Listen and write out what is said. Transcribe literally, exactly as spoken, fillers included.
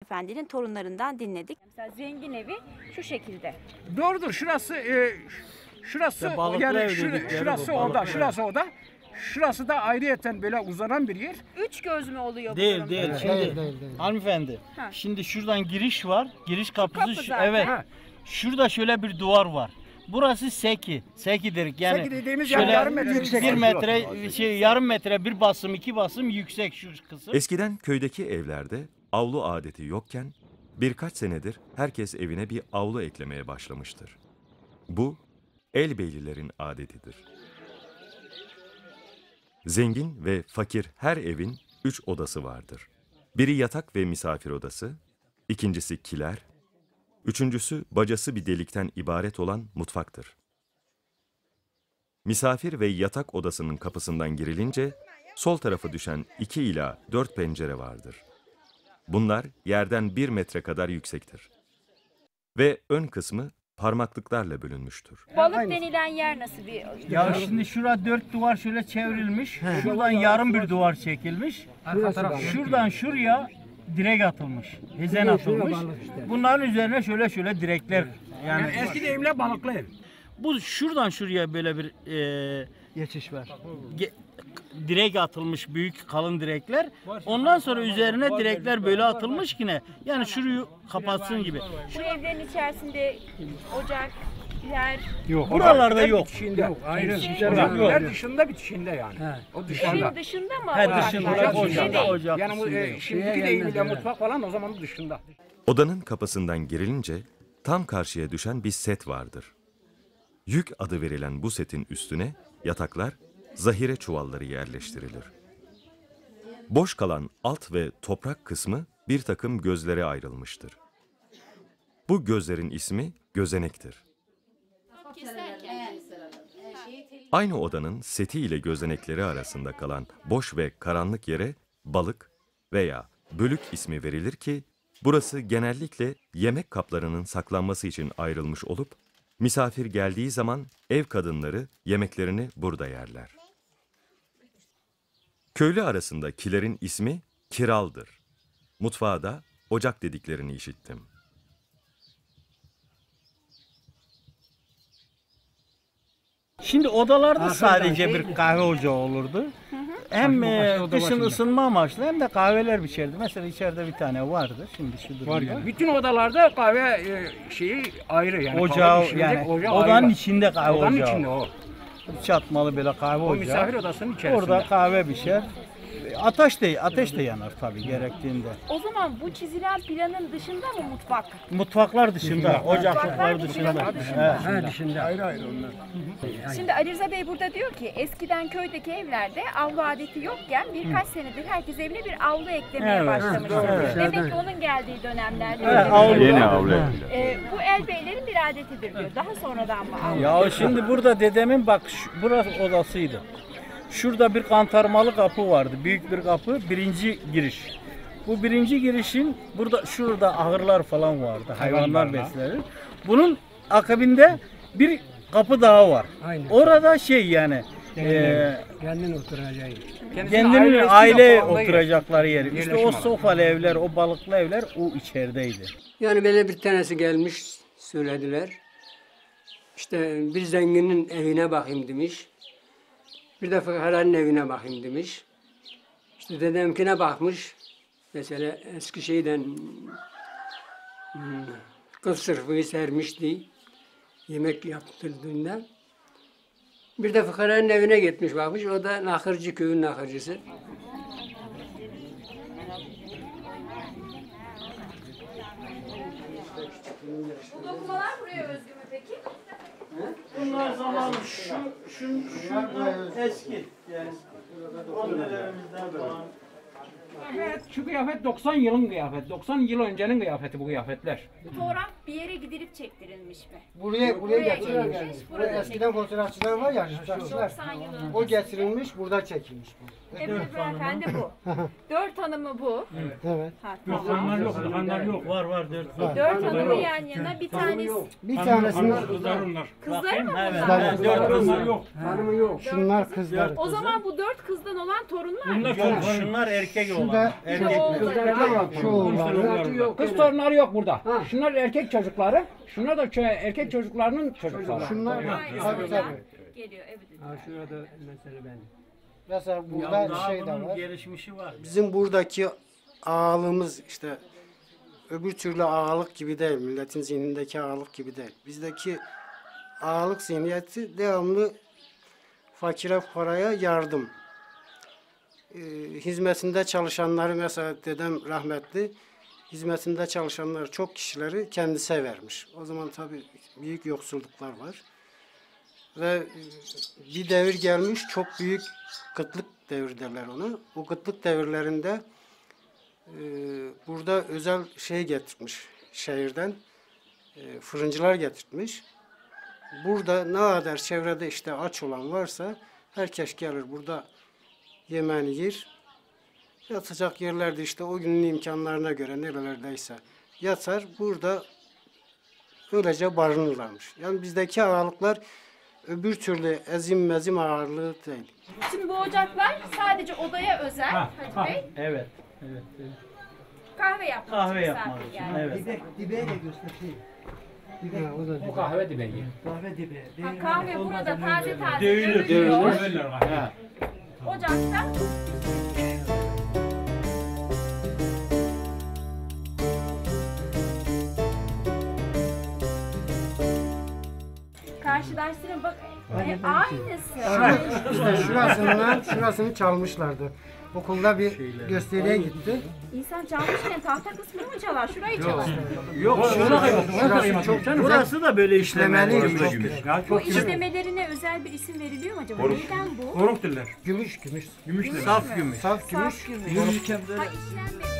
hanımefendinin torunlarından dinledik. Mesela zengin evi şu şekilde. Doğrudur. Şurası e, şurası İşte yani şur, şurası oda, şurası oda. Şurası da ayrıyeten böyle uzanan bir yer. Üç göz mü oluyor bu Değil durumda? değil. Evet. Şimdi Değil, değil, değil. hanımefendi. Ha. Şimdi şuradan giriş var. Giriş kapısı kapı şu- zaten. evet. Ha. Şurada şöyle bir duvar var. Burası seki. Sekidir. Yani Seki dediğimiz şöyle yani yarım metre yüksek. bir metre şey yarım metre bir basım iki basım yüksek şu kısım. Eskiden köydeki evlerde avlu adeti yokken birkaç senedir herkes evine bir avlu eklemeye başlamıştır. Bu elbeylilerin adetidir. Zengin ve fakir her evin üç odası vardır. Biri yatak ve misafir odası, ikincisi kiler, üçüncüsü bacası bir delikten ibaret olan mutfaktır. Misafir ve yatak odasının kapısından girilince sol tarafa düşen iki ila dört pencere vardır. Bunlar yerden bir metre kadar yüksektir. Ve ön kısmı parmaklıklarla bölünmüştür. Balık denilen yer nasıl bir? Ya şimdi şura dört duvar şöyle çevrilmiş. Şuradan yarım bir duvar çekilmiş. Şuradan şuraya direk atılmış. Hezen atılmış. Bunların üzerine şöyle şöyle direkler. Yani, Yani eski deyimle balıklı ev. bu şuradan şuraya böyle bir e, Geçiş var. ge- direk atılmış, büyük kalın direkler. Ondan sonra üzerine direkler böyle atılmış ki ne? Yani şurayı kapatsın gibi. Bu evlerin içerisinde ocak, yer, Yok. Buralarda yok. Bitişinde. Yok. Ayrı. Şey- Ocaklar dışında bitişinde yani. O dışında. evin dışında mı? He, ocak dışında, var? Ocak ocak, İçinde dışında. değil. ocak Yani bu dışında e, yok. şimdiki deyimiyle mutfak falan o zaman dışında. Odanın kapısından girilince tam karşıya düşen bir set vardır. Yük adı verilen bu setin üstüne yataklar, zahire çuvalları yerleştirilir. Boş kalan alt ve toprak kısmı bir takım gözlere ayrılmıştır. Bu gözlerin ismi gözenektir. Aynı odanın seti ile gözenekleri arasında kalan boş ve karanlık yere balık veya bölük ismi verilir ki burası genellikle yemek kaplarının saklanması için ayrılmış olup misafir geldiği zaman ev kadınları yemeklerini burada yerler. Köylü arasında kilerin ismi kiraldır. Mutfağa da ocak dediklerini işittim. Şimdi odalarda sadece bir kahve ocağı olurdu. Hem e, kışın ısınma amaçlı hem de kahveler biçerdi. Mesela içeride bir tane vardı. Şimdi şu durumda. Var yani. Bütün odalarda kahve e, şeyi ayrı yani. Ocağı Kahve pişirilecek yani ocağı odanın ayrı. içinde kahve Odanın ocağı. içinde o. Çatmalı böyle kahve O ocağı. misafir odasının içerisinde. Orada kahve pişer. Ateş de ateş de yanar tabii gerektiğinde. O zaman bu çizilen planın dışında mı mutfak? Mutfaklar dışında, ocaklıklar dışında. dışında. Evet. Ha dışında. Ayrı ayrı onlar. Şimdi Ali Rıza Bey burada diyor ki eskiden köydeki evlerde avlu adeti yokken birkaç senedir herkes evine bir avlu eklemeye Evet. başlamış. Evet. Demek ki onun geldiği dönemlerde Evet, öyle. avlu. Yeni avlu. Ee, bu elbeylerin bir adetidir diyor. Daha sonradan mı avlu? Ya şimdi burada dedemin bak şu- burası odasıydı. Şurada bir kantarmalı kapı vardı. Büyük bir kapı. Birinci giriş. Bu birinci girişin burada şurada ahırlar falan vardı. Hayvanlar beslenir. Bunun akabinde bir kapı daha var. Aynen. Orada şey yani eee Kendin oturacağı. kendinin aile yapılandığı yer. oturacakları yeri. İşte Yerleşim o alanı. sofalı evler, o balıklı evler o içerideydi. Yani böyle bir tanesi gelmiş söylediler. İşte bir zenginin evine bakayım demiş. Bir de fıkaranın evine bakayım demiş. İşte dedemkine bakmış. Mesela eski şeyden hmm, kız sırfıyı sermişti. Yemek yaptırdığında. Bir de fıkaranın evine gitmiş bakmış. O da Nakırcı köyün nakırcısı. Bu dokumalar buraya özgü mü peki? Bunlar zamanı şu, şu, şu eski. Yani annelerimizden falan. Evet, şu kıyafet doksan yılın kıyafeti. doksan yıl öncenin kıyafeti bu kıyafetler. Fotoğraf bir yere gidilip çektirilmiş mi? Buraya Buraya buraya getirilmiş, getirilmiş. burada Buraya eskiden fotoğrafçılar var ya, fotoğrafçılar. doksan yıl önce. O getirilmiş, burada çekilmiş bu. Evet beyefendi bu. Dört hanımı bu. Evet. Ha, Yok, tamam. onlar yok, onlar yok. Var var dört var. Dört hanımı yan yana bir tanesi. Bir tanesinin Kızlar onlar. Kızları mı Evet, bunlar? evet, dört kız var. yok. hanımı yok. Şunlar kızlar. O zaman bu dört kızdan olan torunlar mı? Bunlar Yok, şunlar erkek oldu. da Erkek şu oğlanlar. Kız torunları yok burada. Şunlar erkek çocukları. Şunlar da kö- erkek çocuklarının çocukları. Şunlar tabii tabii. Geliyor evet. Ha şurada mesela ben. Mesela burada daha şey de bunun var. gelişmişi var. Bizim buradaki ağalığımız işte öbür türlü ağalık gibi değil. Milletin zihnindeki ağalık gibi değil. Bizdeki ağalık zihniyeti devamlı fakire fukaraya yardım. Ee, hizmetinde çalışanları mesela dedem rahmetli hizmetinde çalışanları çok kişileri kendisi vermiş. O zaman tabii büyük yoksulluklar var. Ve bir devir gelmiş çok büyük kıtlık devri derler ona. O kıtlık devirlerinde e, burada özel şey getirmiş şehirden e, fırıncılar getirtmiş. Burada ne kadar çevrede işte aç olan varsa herkes gelir burada yemeğini yer. Yatacak yerlerde işte o günün imkanlarına göre nerelerdeyse yatar. Burada öylece barınırlarmış. Yani bizdeki ağalıklar öbür türlü ezim mezim ağırlığı değil. Şimdi bu ocaklar sadece odaya özel Ha, Hacı ha. Bey. Evet. Evet. evet. Kahve yapmak Kahve için yapmak misafir için. geldi. Evet. Dibeğe de göstereyim. Ha, o da O kahve dibeği. Kahve dibeği. Ha, kahve burada taze taze Dövülür, dövülüyor. dövülür. Ha. Ocakta. Karşılaştırın bak e, aynısı. işte şurasından şurasını çalmışlardı. Okulda bir gösteriye gitti. İnsan çalmışken tahta kısmını mı çalar? Şurayı çalar. Yok, Şurası çok güzel. burası da böyle işlemeli. İşlemeliydi, çok güzel. Bu işlemelerine özel bir isim veriliyor mu acaba? Neyden bu? Koruk diller. Gümüş gümüş. Gümüş Saf gümüş. Saf gümüş. Ha işlenmedi.